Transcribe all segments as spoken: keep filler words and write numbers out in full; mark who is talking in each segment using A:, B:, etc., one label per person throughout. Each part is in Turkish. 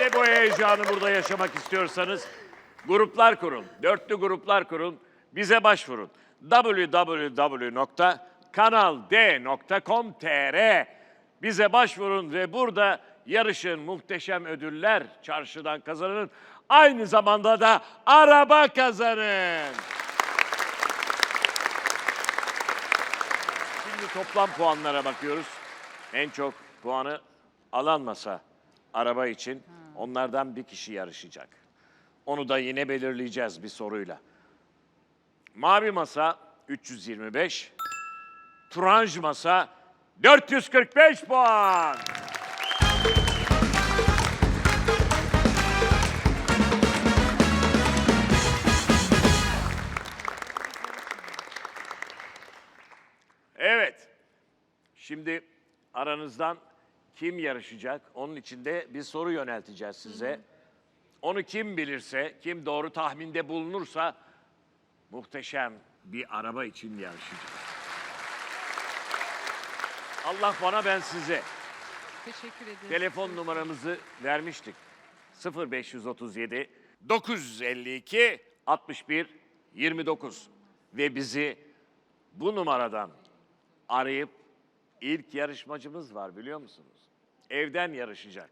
A: Ve bu heyecanı burada yaşamak istiyorsanız gruplar kurun, dörtlü gruplar kurun, bize başvurun. w w w nokta kanal d nokta com nokta t r bize başvurun ve burada yarışın, muhteşem ödüller çarşıdan kazanın. Aynı zamanda da araba kazanın. Şimdi toplam puanlara bakıyoruz. En çok puanı alan masa araba için onlardan bir kişi yarışacak. Onu da yine belirleyeceğiz bir soruyla. Mavi masa üç yüz yirmi beş, turanj masa dört yüz kırk beş puan. Evet. Şimdi aranızdan kim yarışacak? Onun için de bir soru yönelteceğiz size. Onu kim bilirse, kim doğru tahminde bulunursa muhteşem bir araba için yarışacak. Allah bana ben size.
B: Teşekkür ederim.
A: Telefon numaramızı vermiştik. sıfır beş otuz yedi dokuz yüz elli iki altmış bir yirmi dokuz ve bizi bu numaradan arayıp ilk yarışmacımız var biliyor musunuz? Evden yarışacak.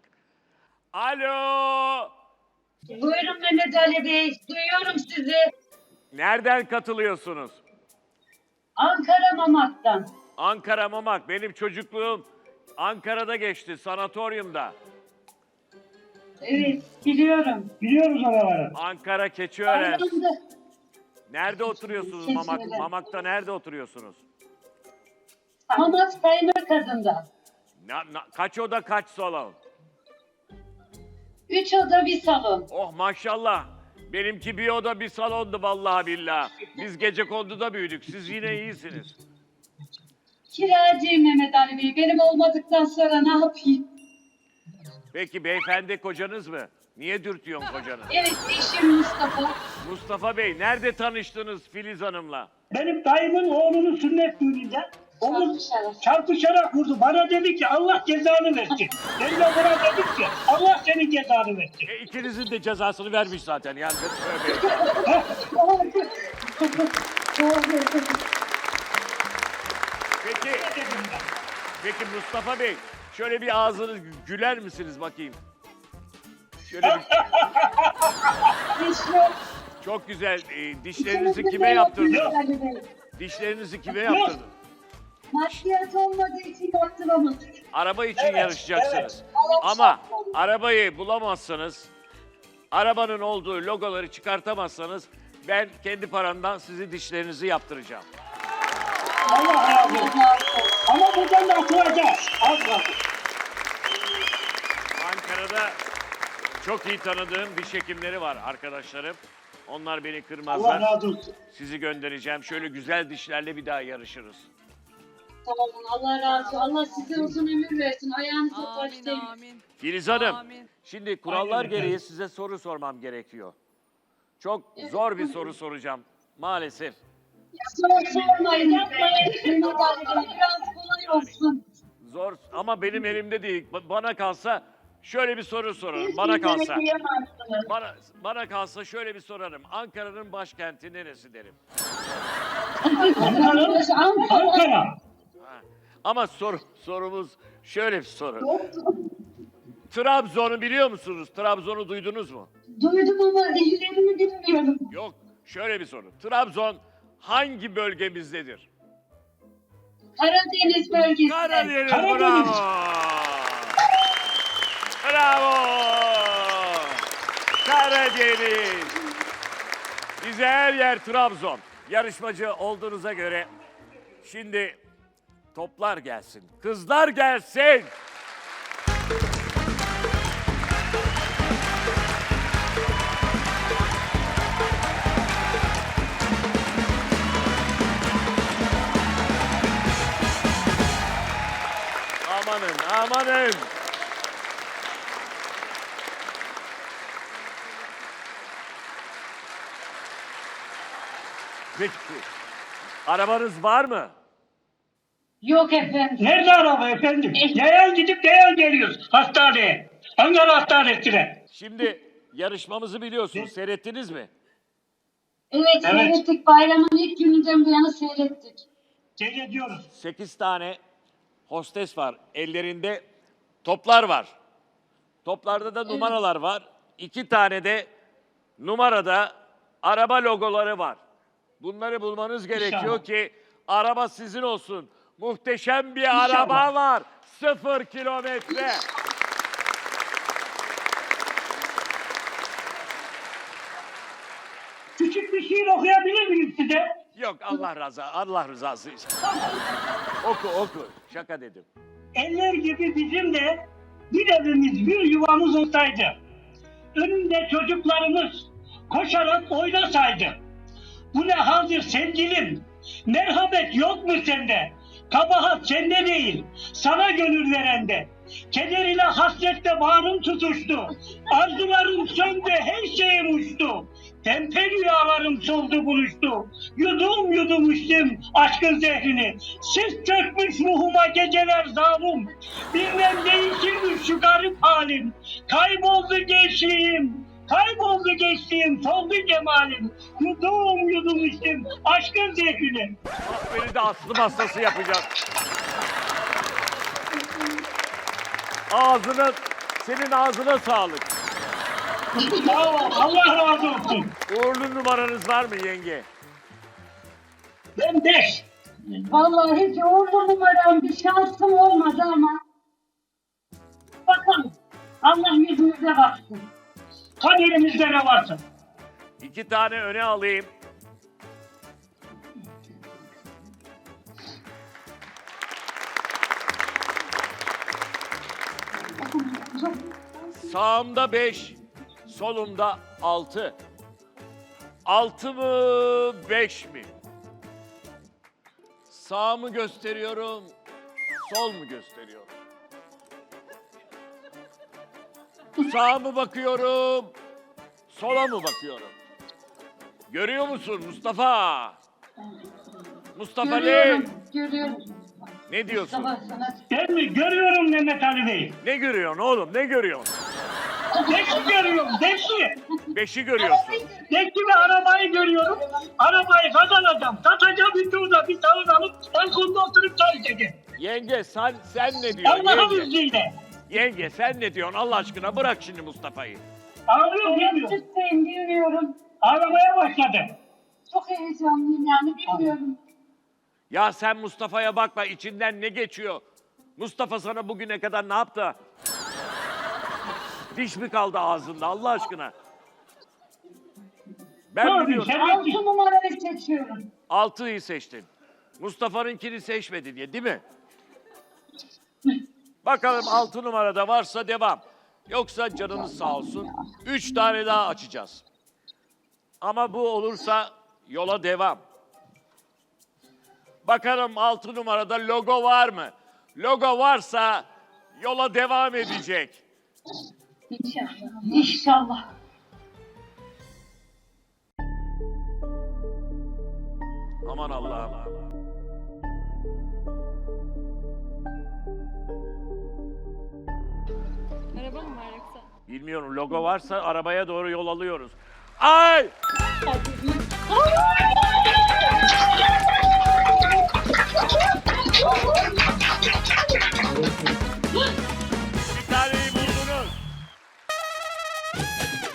A: Alo!
C: Buyurun Mehmet Ali Bey, duyuyorum sizi.
A: Nereden katılıyorsunuz?
C: Ankara Mamak'tan.
A: Ankara Mamak. Benim çocukluğum Ankara'da geçti, sanatoryumda.
C: Evet, biliyorum.
D: Biliyoruz oraları.
A: Ankara Keçiören.
C: Arkamda.
A: Nerede oturuyorsunuz
C: Keçiören.
A: Mamak? Mamak'ta nerede oturuyorsunuz?
C: Mamak Sayınır Kadın'da.
A: Na, na- kaç oda kaç salon?
C: Üç oda bir salon.
A: Oh maşallah. Benimki bir oda bir salondu vallahi billahi. Biz Gecekondu'da büyüdük. Siz yine iyisiniz.
C: Kiracıyım Mehmet Ali Bey. Benim olmadıktan sonra ne yapayım?
A: Peki beyefendi kocanız mı? Niye dürtüyorsun kocanı?
C: Evet, eşim Mustafa.
A: Mustafa Bey nerede tanıştınız Filiz Hanım'la?
D: Benim dayımın oğlunun sünnet düğününde omuz
C: Çarpışarak.
D: çarpışarak vurdu. Bana dedi ki Allah cezanı versin. Ben de buna dedim ki Allah senin cezanı versin.
A: E, ikinizin de cezasını vermiş zaten yani. Tövbe. Peki, peki Mustafa Bey şöyle bir ağzınız güler misiniz bakayım? Şöyle bir,
C: Hiç yok.
A: çok güzel. E, dişlerinizi
C: İkimizin
A: kime
C: de yok
A: yaptırdınız?
C: Mehmet Ali Bey.
A: Dişlerinizi kime yaptırdınız?
C: Maddiyat olmadığı için yaptıramadık.
A: Araba için
D: Evet,
A: yarışacaksınız.
C: evet.
A: Ama arabayı bulamazsanız, arabanın olduğu logoları çıkartamazsanız ben kendi paramdan sizi dişlerinizi yaptıracağım.
D: Allah razı olsun. Ama buradan da atılacağız. Az kaldı.
A: Ankara'da çok iyi tanıdığım diş hekimleri var arkadaşlarım. Onlar beni kırmazlar.
D: Allah razı olsun.
A: Sizi göndereceğim. Şöyle güzel dişlerle bir daha yarışırız.
C: Tamam, Allah razı olsun. Allah size uzun ömür versin. Ayağınızı
B: Amin,
C: taşlayın.
B: amin.
A: Filiz Hanım,
B: Amin.
A: şimdi kurallar
D: Aynen
A: gereği
D: efendim.
A: size soru sormam gerekiyor. Çok zor bir soru soracağım maalesef.
C: Zor sormayın, yapmayın. Mehmet Ali Bey, biraz kolay olsun.
A: Zor ama benim elimde değil. Ba- Bana kalsa şöyle bir soru sorarım. Bana kalsa. Bana, bana kalsa şöyle bir sorarım. Ankara'nın başkenti neresi derim.
D: Ankara.
C: Ankara.
D: Ankara.
A: Ha. Ama soru, sorumuz şöyle bir soru. Trabzon'u biliyor musunuz? Trabzon'u duydunuz mu?
C: Duydum ama illerini bilmiyorum.
A: Yok. Şöyle bir soru. Trabzon hangi bölgemizdedir?
C: Karadeniz bölgesi.
A: Karadeniz.
D: Karadeniz.
A: Bravo. Bravo. Karadeniz. Bize her yer Trabzon. Yarışmacı olduğunuza göre şimdi toplar gelsin. Kızlar gelsin. Amanın, amanın. Peki, arabanız var mı?
C: Yok efendim.
D: Nerede araba efendim? Yayan gidip yayan geliyoruz hastaneye. Ankara Hastanesi'ne.
A: Şimdi yarışmamızı biliyorsunuz. Seyrettiniz mi?
C: Evet,
D: Evet.
C: seyrettik. Bayramın ilk gününden bu yana seyrettik.
D: Seyrediyoruz.
A: Sekiz tane hostes var. Ellerinde toplar var. Toplarda da numaralar var. İki tane de numarada araba logoları var. Bunları bulmanız gerekiyor
D: İnşallah.
A: ki araba sizin olsun. Muhteşem bir
D: İnşallah.
A: araba var. Sıfır kilometre.
D: Küçük bir şiir okuyabilir miyim size?
A: Yok Allah razı Allah rızası için. Oku oku. Şaka dedim.
D: Eller gibi bizim de bir evimiz, bir yuvamız olsaydı. Önünde çocuklarımız koşarak oynasaydı. Bu ne haldir sevgilim? Merhamet yok mu sende? Kabahat sende değil, sana gönül verende. Keder ile hasretle bağrım tutuştu. Arzularım söndü, her şeyim uçtu. Tempe rüyalarım soldu buluştu. Yudum yudum içtim aşkın zehrini. Sis çökmüş ruhuma geceler zalim. Bilmem değişirmiş şu garip halim. Kayboldu gençliğim. Kayboldu gençliğim, soldu cemalim. Yudum yudum içtim aşkın zehrini.
A: Bak beni de aslım hastası yapacak. Ağzına, senin ağzına sağlık.
D: Sağ ol, Allah razı olsun.
A: Uğurlu numaranız var mı yenge?
D: Ben beş.
C: Vallahi hiç uğurlu numaram bir şansım olmadı ama bakalım. Allah yüzümüze baksın.
D: Kaderimizde ne varsa.
A: İki tane öne alayım. Sağımda beş, solumda altı. Altı mı, beş mi? Sağ mı gösteriyorum, sol mu gösteriyorum? Sağa mı bakıyorum, sola mı bakıyorum? Görüyor musun Mustafa? Mustafa
C: Görüyorum,
A: ne?
C: görüyorum.
A: Ne diyorsun?
C: Sabah sana
D: Ben mi? Görüyorum Mehmet Ali Bey.
A: Ne görüyorsun oğlum, ne görüyorsun?
D: Beşi görüyorum, beşi.
A: Beşi görüyorsun.
D: Beşi ve arabayı görüyorum. Arabayı kazanacağım. Satacağım bir turda bir tavır alıp balkonda oturup çay içeceğim.
A: Yenge sen sen ne diyorsun?
D: Allah'ın
A: Yenge,
D: izniyle.
A: yenge sen ne diyorsun Allah aşkına bırak şimdi Mustafa'yı.
D: Ağlıyor bilmiyor.
C: Yaptırtayım bilmiyorum.
D: Ağlamaya başladı.
C: Çok heyecanlıyım yani bilmiyorum.
A: Ya sen Mustafa'ya bakma içinden ne geçiyor? Mustafa sana bugüne kadar ne yaptı? Diş mi kaldı ağzında Allah aşkına? Ben
D: Tabii,
A: biliyorum.
D: sen-
C: Altı numarayı seçiyorum.
A: Altıyı seçtin. Mustafa'nınkini seçmedin diye değil mi? Bakalım altı numarada varsa devam. Yoksa canınız sağ olsun. Üç tane daha açacağız. Ama bu olursa yola devam. Bakalım altı numarada logo var mı? Logo varsa yola devam edecek.
C: İnşallah. İnşallah.
A: Aman Allah'ım.
B: Araba mı var yoksa?
A: Bilmiyorum logo varsa arabaya doğru yol alıyoruz. Ay! Bir taneyi buldunuz.